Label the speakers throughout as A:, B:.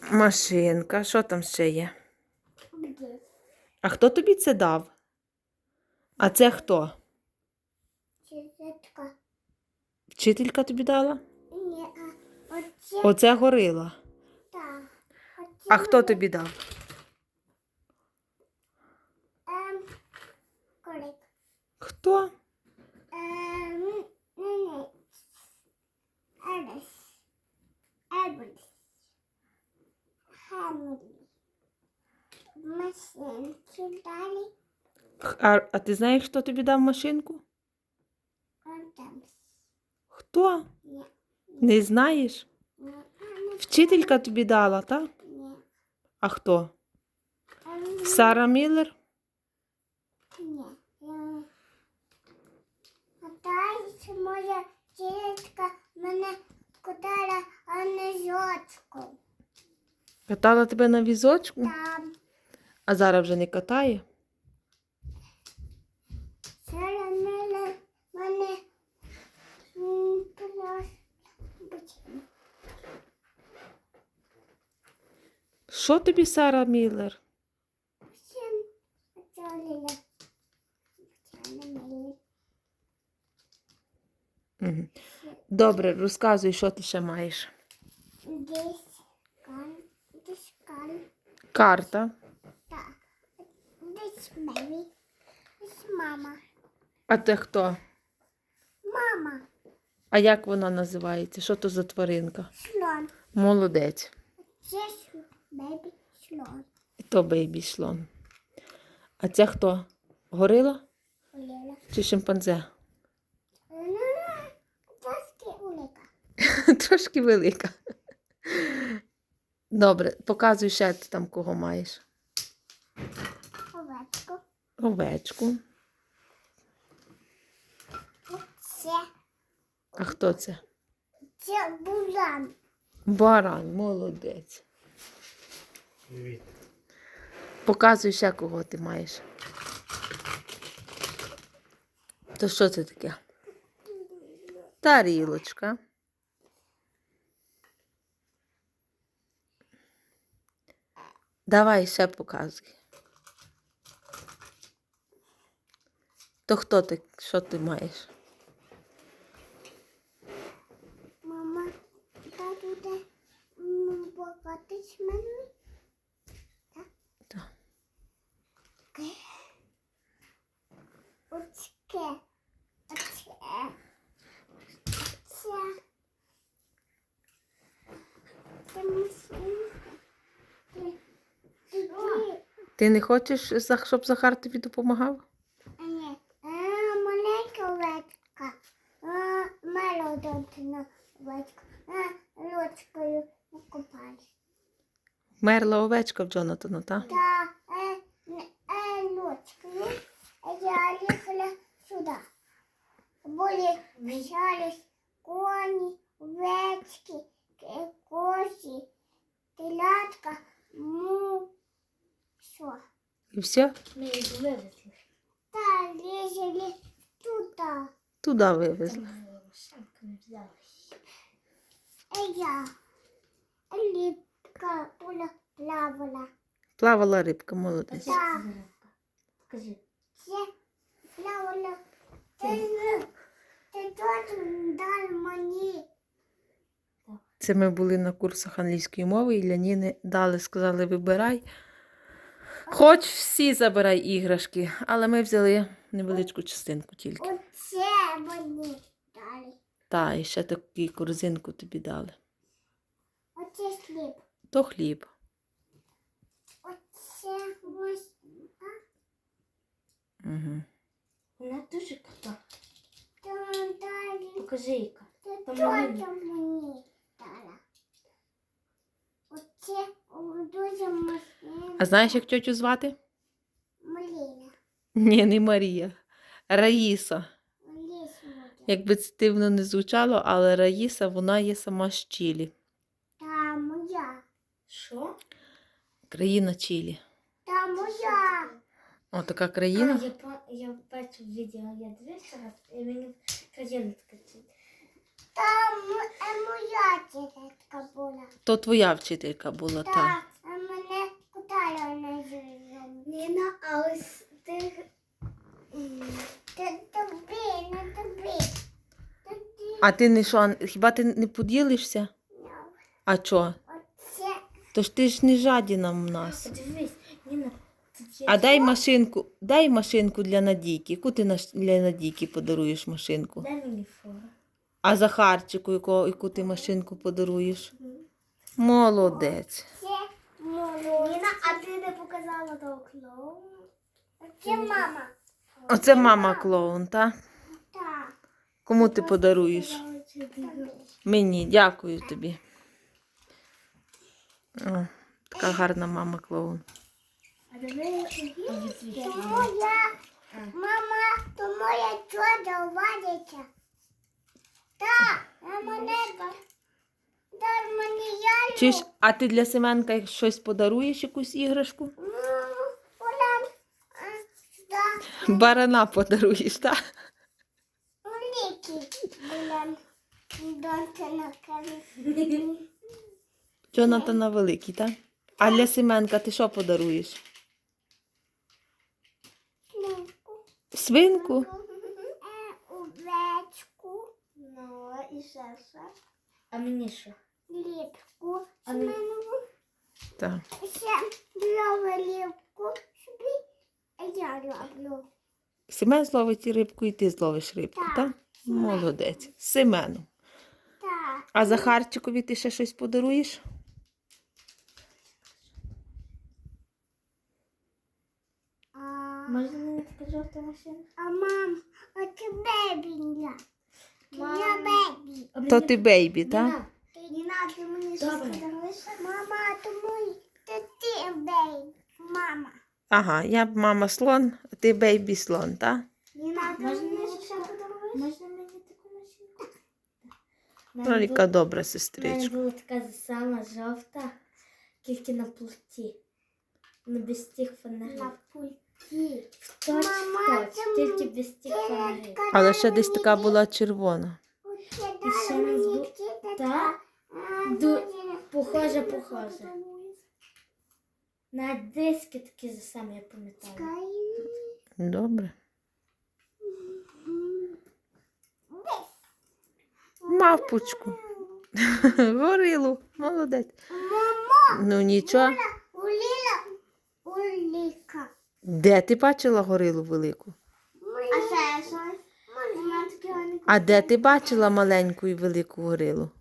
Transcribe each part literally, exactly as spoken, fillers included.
A: Машинка. Що там ще є?
B: Где?
A: А хто тобі це дав? А це хто?
B: Чизетка.
A: Вчителька тобі дала?
B: Ні, а оце
A: Оце горила.
B: так. Оце
A: А хто
B: мене,
A: тобі дав?
B: Ем, корик.
A: Хто?
B: Ем, не, не. Ерес. Ербус. Хемлі. Машинки далі.
A: А, а ти знаєш, хто тобі дав машинку?
B: Артемс.
A: Хто?
B: Ні,
A: Не знаєш?
B: ні, а, не
A: Вчителька тобі дала, так?
B: ні.
A: А хто?
B: Ем,
A: Сара Міллер?
B: ні. Е, А далі моя тітка мене кудала, а не жочку.
A: Катала тебе на візочку?
B: Там
A: А зараз вже не катає?
B: Сара мене, мене м, просто бачила.
A: Що тобі Сара Міллер?
B: Всім оцолила. Вчора мені.
A: Угу. Добре, розказуй, що ти ще маєш.
B: Десь кан, десь кан.
A: Карта.
B: Так. Десь мамі. Десь мама.
A: А ти хто?
B: Мама.
A: А як вона називається? Що то за тваринка?
B: Слон.
A: Молодець.
B: Це бебі слон.
A: І то бейбі слон. А це хто? Горила
B: Олена.
A: чи шимпанзе?
B: Трошки улика.
A: Трошки велика. Добре, показуй ще ти там кого маєш.
B: Овечку.
A: Овечку.
B: Це,
A: А хто це?
B: це булан.
A: Баран, молодець.
C: Привіт.
A: Показуй ще кого ти маєш. То що це таке? Тарілочка. Давай ще показуй. То хто ти? Що ти маєш?
B: Мама, та буде покатись мене.
A: Так.
B: Оцьке. Оце. Це. Це машинка. Ти, ти, ти.
A: Ти не хочеш, за- щоб Захар тобі допомагав?
B: А ні. А, маленька овечка. А, мелодонтина овечка. А, ручкою покупали.
A: Мерла овечка в Джонатана, так?
B: Та е, е, ручкою я їхала сюди. Були мчались коні, овечки, ки- козі, телятка, му. Що?
A: І все?
D: Ми їх вивезли.
B: Та лізали туди.
A: Туди вивезли.
D: Самка не взяла.
B: Е, я. Ліпка була плавала.
A: Плавала рибка, молодець.
B: Так.
D: Покажи.
B: Це плавала. Ти, ти тут дай мені.
A: Це ми були на курсах англійської мови, і Ляніни дали, сказали, вибирай. Хоч всі забирай іграшки, але ми взяли невеличку частинку тільки.
B: Оце мені дали.
A: Та, і ще таку корзинку тобі дали.
B: Оце хліб.
A: То хліб.
B: Оце машинка.
A: Угу.
D: Вона дуже крута.
B: Там далі.
D: Покажи, яка.
B: Це
D: Там
B: теж
D: малинка.
B: мені дала. Оце о, дуже машинка.
A: А знаєш, як тьотю звати?
B: Малина.
A: Ні, не Марія. Раїса.
B: Ліс буде.
A: Якби це дивно не звучало, але Раїса, вона є сама з Чилі.
B: Та моя.
D: Що?
A: Країна Чилі.
B: Та моя.
A: О, така
D: А,
A: країна.
D: я, по- я бачив відео, я дивився раз, і мені країна така.
B: Там е, моя тітка була.
A: То твоя вчителька була, та.
B: Так, а мене кутала на зиму. Ніна, а ось ти... Ти тобі, не тобі.
A: А ти не що, хіба ти не поділишся? А чо?
B: Оце
A: Тож ти ж не жадіна в нас.
D: Подивись, Ніна, тут є.
A: А дай машинку, дай машинку для Надійки. Яку ти наш- для Надійки подаруєш машинку?
D: Дай мені фото.
A: А Захарчику, яку, яку ти машинку подаруєш? Молодець.
B: це молодь. Ніна, а ти не показала того клоуна? Це мама.
A: Оце мама клоун, та?
B: Так.
A: Кому ти подаруєш? Мені, дякую тобі. О, така гарна мама клоун.
B: То моя, мама, то моя чудо вадиться. Так, а мене, дай мені я
A: Чи ж, а ти для Семенка щось подаруєш, якусь іграшку?
B: Ну, Оля, а, да,
A: Барана подаруєш, так?
B: улики, Оля, донька на камі.
A: Джонатана великий, так? А для Семенка ти що подаруєш? Свинку?
B: Е, овечку, ну, і ще що,
D: А мені що?
B: ліпку,
D: А ми-
B: семенову,
A: Так.
B: ще знову ліпку собі, а я роблю.
A: Семен зловить рибку і ти зловиш рибку,
B: Так.
A: так? Молодець. Семену.
B: Так,
A: А Захарчикові ти ще щось подаруєш?
B: а,
D: Можна мені така жовта машина?
B: а мам, а це бебінля. Я бебі.
D: А
A: То
D: мені-
A: ти бейбі, так?
D: Ніна,
B: Не надо мені щось
D: Добре.
B: подаруєш? Мама, то мій, то ти бейбі. Мама.
A: Ага, я б мама слон, а ти бейбі слон, так?
B: Не надо
D: Можна
B: мені
D: мені
B: щось
D: ще
B: подаруєш?
D: Можна мені таку машинку? В мене
A: Роліка
D: була-
A: добра
D: в мене
A: сестричка.
D: була така сама жовта, тільки на плоті. Ну, без тих фонарів.
B: На пульті.
D: В точ,
B: Мама,
D: в точ,
B: це
D: тільки
B: м-
D: без тих
B: Ти
D: фонарів.
A: Але ще десь така була червона.
B: Оце
D: І ще
B: дала
D: нас
B: мені
D: бу-
B: тітка.
D: та,
B: А,
D: ду-
B: дуже
D: похоже,
B: дуже
D: похоже.
B: подаруєш.
D: На диски такі за самі, я пам'ятаю.
B: Чекай.
A: Добре.
B: М.
A: Мавпочку. Горилу. Молодець.
B: Мамо,
A: Ну нічого.
B: уліла, уліка.
A: Де ти бачила горилу велику?
B: А ще щось? Вона таке гарне.
A: А де ти бачила маленьку і велику горилу?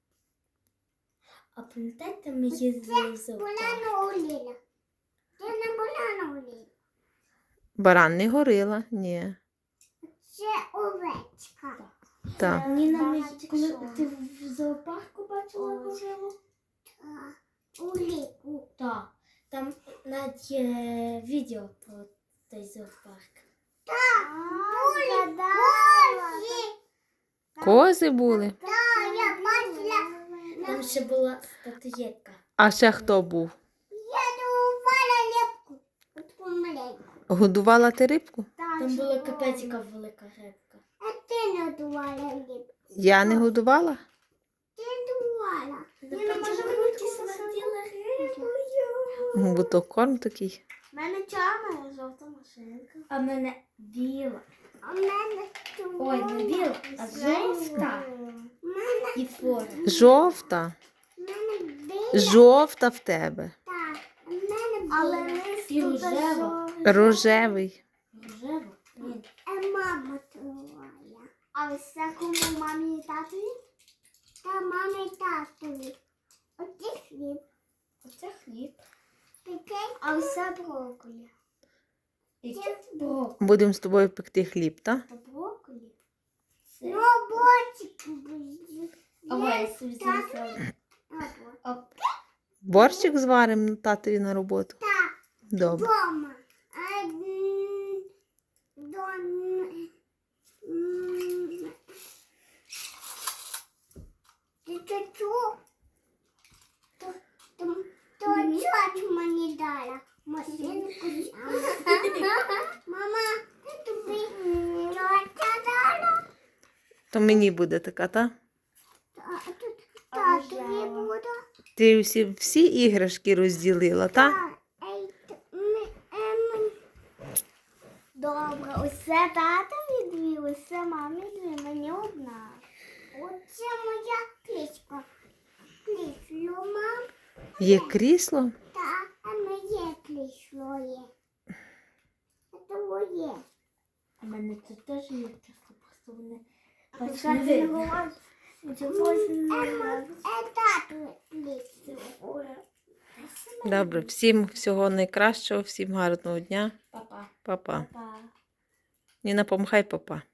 D: А пам'ятаєте, ми їздили в зоопарк?
B: Була уліла. Це не була на уліла.
A: Баран не горила? Ні.
B: Це овечка.
A: Так.
D: Ніна, ми,
B: Багато
D: коли
B: чого.
D: ти в зоопарку бачила горилу?
B: Та, уліку.
D: Так. Там навіть є відео про той зоопарк.
B: Так, були козі.
A: Кози були.
B: Так, я бачила.
D: Там ще була статуєтка.
A: А ще хто був?
B: Я дувала лепку. Отку маленьку.
A: Годувала ти рибку?
D: Там була капець яка велика рибка.
B: А ти не дувала лепку.
A: Я не годувала?
B: Ти дувала.
D: Ніна, може ми ті смерділи рибою?
A: Бо то корм такий.
B: У мене чорна жовта машинка.
D: А в мене біла.
B: А в мене
D: Ой, не біла, а жовта.
B: У мене,
D: І фора.
A: Жовта.
B: в мене біла.
A: Жовта в тебе.
B: Так, у мене біла. Але
D: І рожева.
A: Рожевий.
D: Рожева? Ні.
B: Е, мама твоя. А ось це кому мамі і татові? Та мамі і татові. Оці хліб.
D: Оце хліб.
B: Такий. А ось це брокколі.
D: Яке брок?
A: Будемо з тобою пекти хліб, так?
B: Та брокколі.
D: Це.
B: Ну, бочик буде.
D: Ага, я собі записала.
B: Або.
D: Оп.
A: Борщик зваримо татові на роботу.
B: Так,
A: Добре.
B: дома. А, м, дон- м, Ти це чув? То, то, то чуть мені дала машинку. Мама, ти тобі тьотя дала?
A: То мені буде така, та? Ти всі, всі іграшки розділила, так?
B: А, ей, т- ми- е, ми- Добре, усе татові дві, усе мамі дві, мені одна. Оце моя кличка. Клісло, мам.
A: Є крісло?
B: Так, а моє клісло є. Це твоє.
D: У мене тут теж є крісло, просто вони
B: Що
D: бачиш,
B: ти
D: не видно.
B: говориш?
D: Чогось
B: Е,
D: не
B: ма-
D: видно.
B: е, татове клісло. Ой.
A: Добре, всім всього найкращого, всім гарного дня.
D: Папа.
A: Па-па.
D: Папа.
A: Ніна, помахай папа.